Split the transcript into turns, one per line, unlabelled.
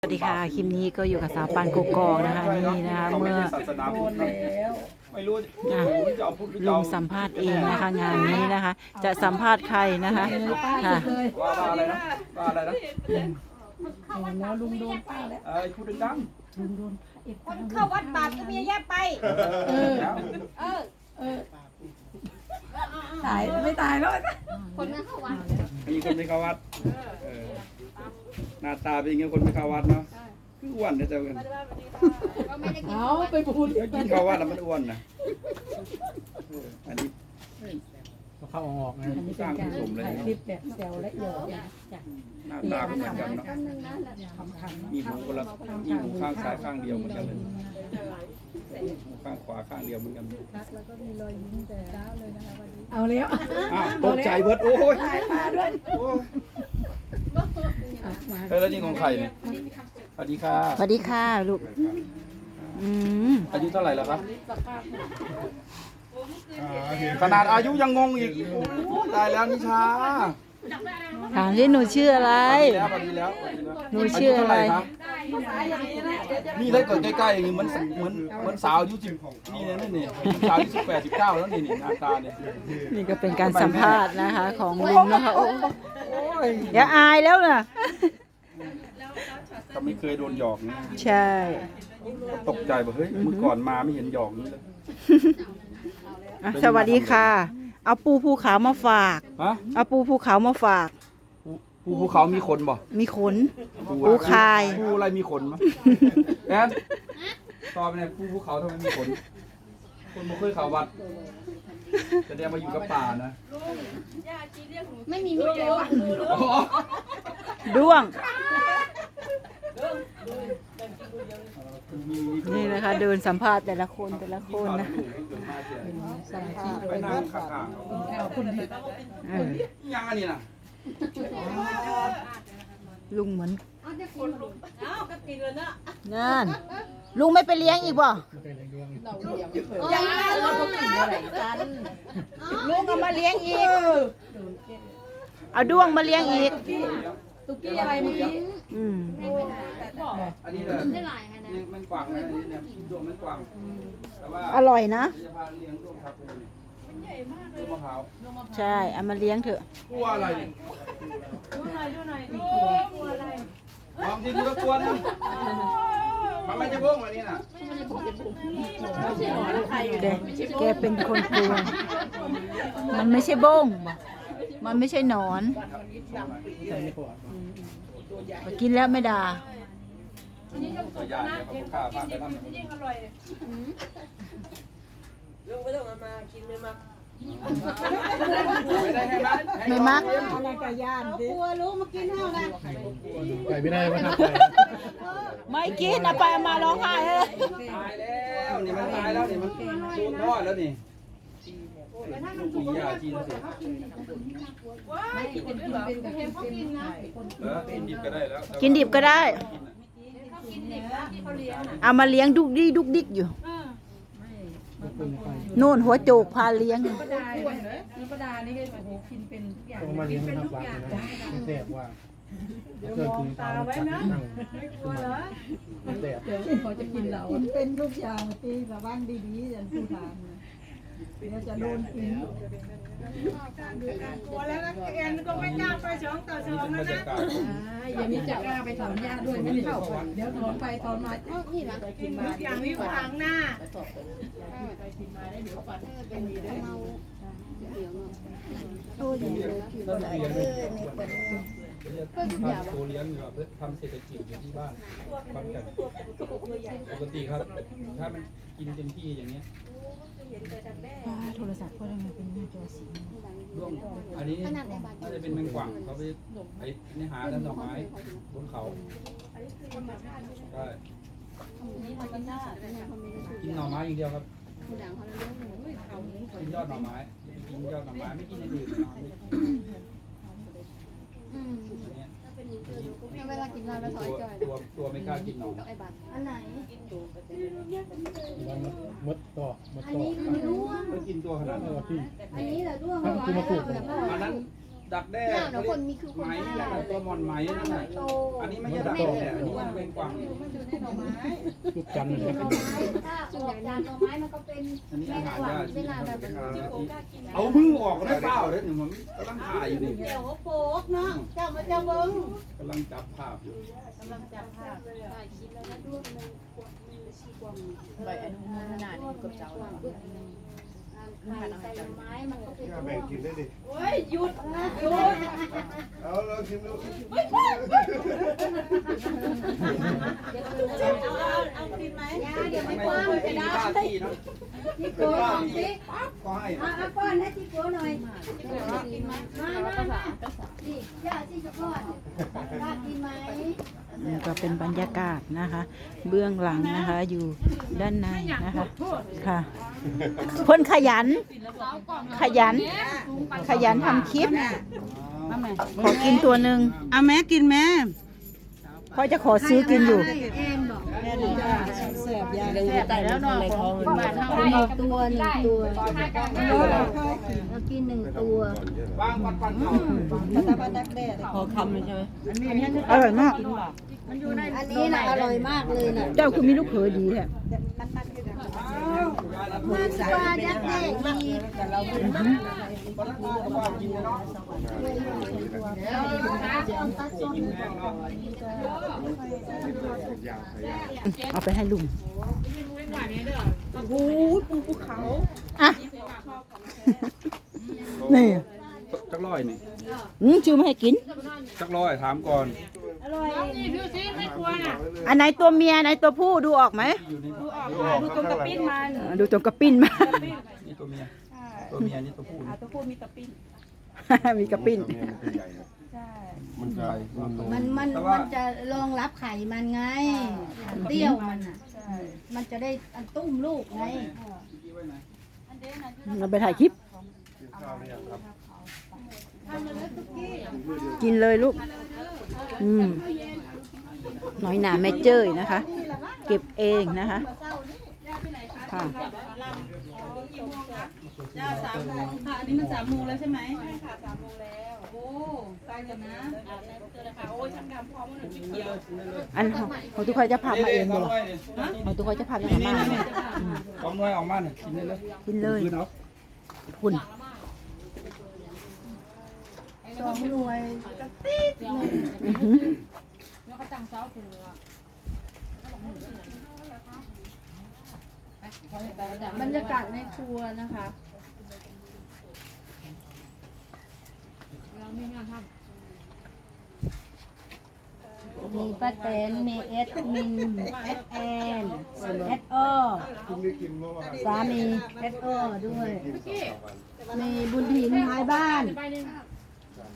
สวัสดีค่ะคลิปนี้ก็อยู่กับสาวปานกกอกนะคะนี่นะคะเมื่อ
ไม่รู้จะเอาพูดหรือ
ลุงสัมภาษณ์เองนะคะงานนี้นะคะ จะสัมภาษณ์ใครนะคะค่ะ
ว่าอะไรนะว่าอะไรนะ
แล้วลุงโดนป้าแล้ว
พูดดัง
ลุงโดน
คนเข้าวัดบาปก็มีแยกไป
แล้ว
ตายไม่ตายแล้ว
คนนั้นเข้าวัด
มีคนไม่เข้าวัดหน้าตาเป็นยังไงคนไม่เข้าวัดเนาะคืออ้วนนะเจ้ากัน
ก็ไม่ได้กิน
เอาไปพูด
แล้วกินเข้าวัดแล้วมันอ้วนนะอันนี้
เข้าออกนะ
อันนี้เป็นการถ่ายคลิปแบบแซวและหยอกจาก
หน้าตาเหมือนกันเนาะ
คำ
มีหูคนละมีหูข้างซ้ายข้างเดียวเหมือนกันเลยหูข้างขวาข้างเดียวเหมือนกัน
แล้วก็มีรอยยิ้มแต่เช้าเลยนะคะวันนี้เอาแล้ว
ตกใจเบิดโอ้ย
ถ่ายมาด้วย
แล้วนี่ของใครเนี่ยสวัสดีค่ะ
สวัสดีค่ะลูก
อายุเท่าไหร่แล้วครับขนาดอายุยังงงอีกตายแล้วนิชา
ถามที่หนูชื่ออะไร
พอดีแล้ว
หนูชื่ออะไร
นี่ถ้าเกิดใกล้ๆอย่างนี้เหมือนสาวอายุ10นี่นี่สาวอายุ18 19แล้วนี่หน้าตาเนี่ย
นี่ก็เป็นการสัมภาษณ์นะคะของลุงนะคะโอ้ยอย่าอายแล้วนะ
เขาไม่เคยโดนหยอกนะ
ใช่
ตกใจบอกเฮ้ยเมื่อก่อนมาไม่เห็นหยอกนี้เลย
อ่ะสวัสดีค่ะ เอาปูภูเขามาฝาก
ฮะ
เอาปูภูเขามาฝาก
ภูเขามีขนบ่
มีขน ปูคาย
ภูอะไรมีขนมั้ยแอนตอบไปเนี่ยภูเขาทำไมมีขนคนมาเคยเขาวัดจะได้มาอยู่กับป่านะ
ไม่มีมีเลยว่ะ
ด้วง นี่นะคะ เดินสัมภาษณ์แต่ละคนนะ
ไปนั่งข้างๆ
เอาคนเดียว
เออ
ยังอันนี้นะ
ลุงเหมือน
เอาจะคนลุกเอาก็กินเลยนะ
นั่นลุงไม่ไปเลี้ยงอีกบ่
ยังไงเราก็กินอะไรกัน
ลุงเอามาเลี้ยงอีก เอาด้วงมาเลี้ยงอีก
ตุ๊กกี้อะไรเมื่อกี้
อืม
อันนี้เลย
ได้หลายขนาด
มันกว้างนะเนี่ยดวงมันกว้างแต่ว่า
อร่อยนะ
จะพาเลี้ยงดวงครับมันใหญ่มากเลยมะพร้าว
ใช่ เอามาเลี้ยงเถอะ
กลัวอะไรเนี่ยดูหน่อยลองที่ดูแล้วกลัวนะมันไม่จะบ้งอะไรนี่น่ะ
แกเป็นคนกลัว มันไม่ใช่บ้ง มันไม่ใช่หนอนกินแล้วไม่ด่า
ตัวใหญ่เนี่ยเขาฆ่าบ้านไปนั่นไม่ได้ให้มัด
ไม่มัก
อะไรกับย่านดิ
กลัวรู้มากินเท่านั้น
ไปไม่ได้มาทำไป
ไม่กินเอาไปเอามาร้องไห้เลย
ตายแล้วนี่มันตายแล้วนี่มันสูญทอดแล้วนี่ลูกปียาจีนสิ
ไม่กินเป็นกินนะ
กินดิบก็ได้แล้ว
กินดิบก็ได้ เอามาเลี้ยงดุกดิกดุกดิกอยู่โน่นหัวโจกพาเลี้ยง
ป้าดานี่ป้าดานี่ก็โอ้โหกินเป็นทุกอย่าง
ต้องมาเลี้ยงทำวัดนะไม่แสบว่าเกิดถึงตาไว้นะไม่กลัวเหรอแสบ
เดี๋ยวเขาจะกินเราเป็นทุกอย่างที่ระวังดีๆอย่างผู้ทานเดี๋ยวจะโดนกิน
กลัวแล้วนะแอนก็ไม่กล้าไป2 ต่อ 2
บร
นะ
รยากาศ
อย่างนี้จะกล้าไปถอนหญ้าด้วยไม่ได้เข้าไปเดี๋ยวถอนไปถอนมา
นี่นะ
กินมา
อย่างนี้ขวางหน้า
โคเลี้ยงเพื่อทำเศรษฐกิจอยู่ที่บ้านบ้านกันปกติครับ ถ้ามันกินเต็มที่อย่างเงี้ย
โทรศัพท์ก็ได้มาเป็นหน้าจอสี
ร่วงอันนี้น่าจะเป็นแมงกว่างเขาไปในหาด้านดอกไม้บนเขาใช่กินหน่อไม้อย่างเดียวครับกินยอดหน่อไม้กินยอดหน่อไม้ไม่กินอย่างอื่น
เวลากินเราถอยจอย
ตัวไม่กล้ากินหน่อ
ไอ้บัตรอันไหน
มดต่อมด
อัน
ต่อ
นี้คือด้วง
ไม่กินตัวขนาดนั้น
ที่
อันนี้แหละด้วง
คือมาปลูก
อันนั้นดักแด้
เนี่ยเนาะคนมีคือคน
ไหม
ได้
นั่นน่ะตัวหมอนไหมนั่นน่ะ
โต
อันนี้ไม่ใช่ดักแด้อันนี้มันเป็นกวาง
ลูกจันทร์เนี่ย
หน่อไม้ถ้าออกจากหน่อไม้มันก็เป็น
อันนี้
แม่
อาหาร
กวาง
ยาก
เวลาแบบ
เอามือออกได้เปล่าเด้อหนึ่งผมกำลังถ่ายอยู่นี่
เดี๋ยวโป๊กเนาะเจ้ามาเจ้าเบิ้ง
กำลังจับภาพอยู่
ใบอนุโมทนานี่กับเจ้า
ใส่หน่อไม้มันก็เป็น
แบ่งกินได้ดิ
โอ้ยหยุดหยุด
เอาลองชิมดู
เอากินไหม
ยาเดี๋ยวไม่
ไม่
กว้าง
ไม่
จะ
ได้
ได้
ท่าที่เนาะ
ที่โก้ของสิ
ก็ให้
เอาก้อนให้ที่โก้หน่อยมานี่ย่าที่จะก้อนย่ากินไหม
นี่ก็เป็นบรรยากาศนะคะ เบื้องหลังนะคะอยู่ด้านในนะคะค่ะคนขยัน ขยันทำคลิปขอกินตัวหนึ่ง
เอาแม่กินแม่
พ่อจะขอซื้อกินอยู่
เอ็มบอก
แม่ดีจ้าแสบยาเลย
แต่แล้วนอนในท้อง
ตัวเรากิน1 ตัว
วางปัดเขา
ตะวันดักแด้
อร่อยมาก
อันนี้นะอร่อยมากเลยนะ
เจ้าคือมีลูกเขยดีแท้
มันปลายักษ์แดงมี
เอาไปให้ลุง
โอ้โหปูภูเขา
อ่ะนี่
จักร้อยนี่
ชื่อมาให้กิน
จักร้อยถามก่อน
อันไหนตัวเมียอันไหนตัวผู้ดูออกไหม
อยู่นี่
ดูตรงกระปิ้นมัน
ดูตรงกระปิ้นมา
นี่ตัวเมียตัวเมียนี่ตัวผู้นี่
ตัวผู้มีตะปิ้น
มีกระปิ้น
มันจะมัน
มันจะรองรับไข่มันไงเตี้ยวมันอ่ะมันจะได้อันตุ้มลูกไง
เราไปถ่ายคลิป
ข้าวหรือยังครับ
กินเลยลูก น้อยหนาแม่เจ้ยนะคะ เก็บเองนะคะ ค่ะ
จ้า3 โมงค่ะอันนี้มัน3 โมงแล้วใช่ไหมใช่ค่ะ3 โมงแล้วโอ้ใกล้กันนะโอ้ยช่างดำพร้อมมันเขียว
อันของทุกคนจะพามาเองเลยของทุกคนจะพามามา
สองหน่วยออกมาเนี่ยกินได้เลย
กินเลย
คืนเอา
คุณ
2 หน่วย
อื้อหือ
บรรยากาศในครัวนะคะมีป้าแตนมีเอสมินเอสแอนเอสโอ
คุณได้กินเมื่อวาน
สามีเอสโอด้วย มีบุญถิ่นท้ายบ้าน